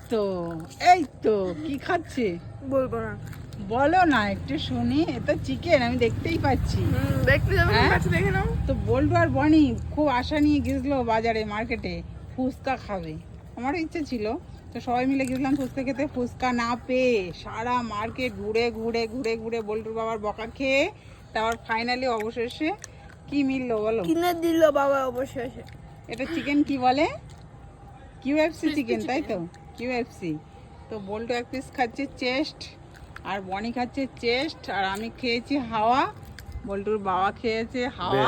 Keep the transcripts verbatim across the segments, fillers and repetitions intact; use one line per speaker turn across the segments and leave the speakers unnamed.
তো এই তো কি খাচ্ছে
বলবো না।
বলো না একটু শুনি। এটা চিকেন আমি দেখতেই পাচ্ছি।
হুম, দেখতে যাবো
হ্যাঁ?
কাছে দেখে নাও।
তো বল্টু আর বনি খুব আশা নিয়ে গেছিলো বাজারে মার্কেটে ফুচকা খাবে। আমারও ইচ্ছে ছিল, তো সবাই মিলে গেছিলাম ফুচকা খেতে। ফুচকা না পেয়ে সারা মার্কেট ঘুরে ঘুরে ঘুরে ঘুরে বল্টুর বাবার বকা খেয়ে তারপর ফাইনালি অবশেষে কি মিললো বলো?
কিনে দিল বাবা অবশেষে।
এটা চিকেন কি বলে? কিউএফসি চিকেন, তাই তো? কিউএফসি। তো বল্টু এক পিস খাচ্ছে চেস্ট, আর বনি খাচ্ছে চেস্ট, আর আমি খেয়েছি হাওয়া, বল্টুর বাবা খেয়েছে হাওয়া।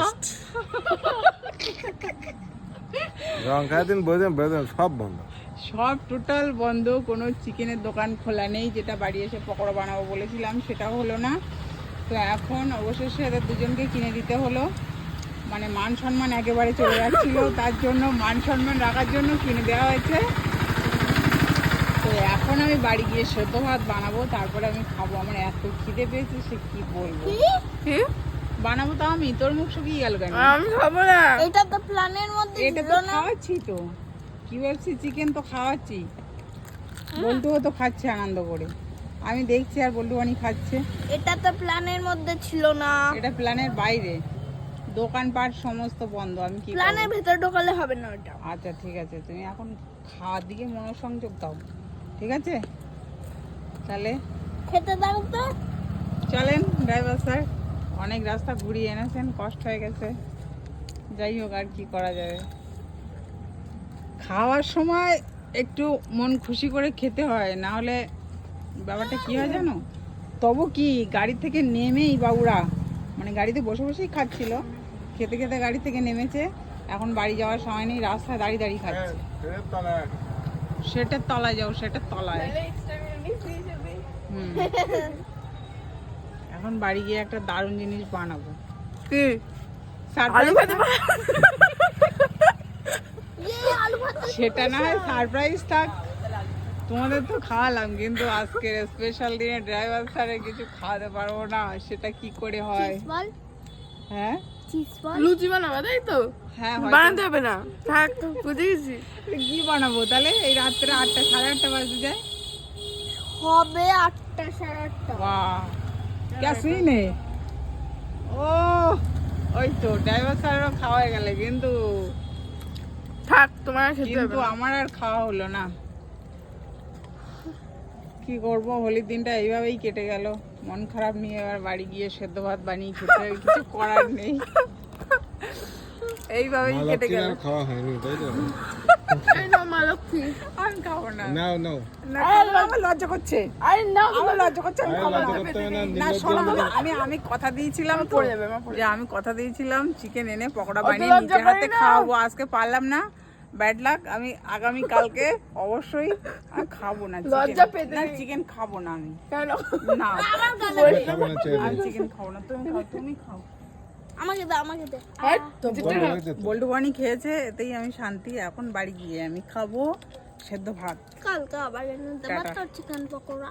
রংখার দিন বোঝেন বোঝেন সব বন্ধ,
সব টোটাল বন্ধ। কোনো চিকেনের দোকান খোলা নেই। যেটা বাড়ি এসে পকোড়া বানাবো বলেছিলাম সেটাও হলো না। তো এখন অবশেষে এদের দুজনকে কিনে দিতে হলো। মানে মান সম্মান একেবারে চলে যাচ্ছিল, তার জন্য মান সম্মান রাখার জন্য কিনে দেওয়া হয়েছে। তো এখন আমি বাড়ি গিয়ে সেদ্ধ ভাত বানাবো, তারপরে আমি খাবো। আমার এত খিদে পেয়েছে সে কি বলবো।
কি?
বানাবো তো আমি, তোর মুখ শুকিয়ে গেল কেন?
আমি খাবো না।
এটা তো প্ল্যানের মধ্যে
এটা তো খাওয়াচ্ছি তো, কিউএফসি চিকেন তো খাওয়াচ্ছি। বল্টুও তো খাচ্ছে আনন্দ করে, আমি দেখছি আর বল্টু বানি খাচ্ছে।
এটা তো প্ল্যানের মধ্যে ছিল না।
এটা প্ল্যানের বাইরে, দোকানপাট সমস্ত বন্ধ। আমি কি
প্ল্যানের
করবো?
ভেতর ঢোকালে হবে না ওটা।
আচ্ছা ঠিক আছে, তুমি এখন খাওয়ার দিকে মনোসংযোগ দাও, ঠিক আছে? তাহলে
খেতে দাও তো।
চলেন ড্রাইভার স্যার, অনেক রাস্তা ঘুরিয়ে এনেছেন, কষ্ট হয়ে গেছে। যাই হোক, আর কি করা যাবে। খাওয়ার সময় একটু মন খুশি করে খেতে হয়, না হলে ব্যাপারটা কি হয় জানো? তবু কি গাড়ি থেকে নেমেই বাবুরা, মানে গাড়িতে বসে বসেই খাচ্ছিল, খেতে খেতে গাড়ি থেকে নেমেছে। এখন বাড়ি যাওয়ার সময় নেই, রাস্তায় দাঁড়িয়ে দাঁড়িয়ে খাচ্ছে। সেটার তলায় যাও, সেটার তলায়। হুম। এখন বাড়ি গিয়ে একটা দারুণ জিনিস বানাবো।
কি?
Surprise
আলু ভাতে
থাক।
ইয়ে আলু ভাত।
সেটা না হয় সারপ্রাইজ থাক, তোমাদের তো খাওয়ালাম, কিন্তু আজকের স্পেশাল দিনে ড্রাইভার স্যারে কিছু খাওয়াতে পারবো না। সেটা কি করে হয়?
চিজ বল,
হ্যাঁ
চিজ বল।
লুচি বানাবে তাই তো?
হ্যাঁ হয়তো।
বানাতে হবে না, থাক বুঝে গেছি।
কি বানাবো তাহলে? এই রাত্রে আটটা সাড়ে আটটা বাজে যায়।
হবে আটটা সাড়ে আটটা।
বাহ क्या सीन है। ও ওই তো ড্রাইভার স্যারেরও খাওয়া হয়ে গেলে, কিন্তু
থাক তোমার আর খেতে হবে
কিন্তু
না।
আমার আর খাওয়া হলো না। কি করব, হোলির দিনটা এইভাবেই কেটে গেল। মন খারাপ নিয়ে এবার বাড়ি গিয়ে সেদ্ধ ভাত বানিয়ে খেতে হবে, কিছু করার নেই। এইভাবেই কেটে গেল।
খাওয়া হয়নি তাই তো?
এই নাও মা লক্ষ্মী।
আমি খাবো না।
নাও নাও,
না, আমার লজ্জা করছে,
আরে নাও
আমার লজ্জা করছে, আমি
আরে
খাবো
লজ্জা
না।
করতে হবে না,
না
নির্লজ্জ
শোনো,
বলে।
আমি আমি কথা দিয়েছিলাম তো,
পড়ে যাবে, আমার পড়ে
যে আমি কথা দিয়েছিলাম চিকেন এনে পকোড়া
অত
বানিয়ে
লজ্জা
নিজের হাতে
করি না।
খাওয়াবো। আজকে পারলাম না, ব্যাড লাক। আমি আগামী কালকে অবশ্যই আমি খাবো না
লজ্জা
চিকেন।
পেতে
না
নেই।
চিকেন খাবো না আমি,
কেন?
না
খাবে না চাইলে।
আমি চিকেন খাবো না। তুমি খাও, তুমি খাও।
আমাকে দে, আমাকে দে।
এই তো
বড় হয়েছে তো।
বল্টু বানি খেয়েছে, এতেই আমি শান্তি। এখন বাড়ি গিয়ে আমি খাবো সেদ্ধ ভাত।
কালকে আবার এনে দেবো
টাটা।
তো চিকেন পকোড়া।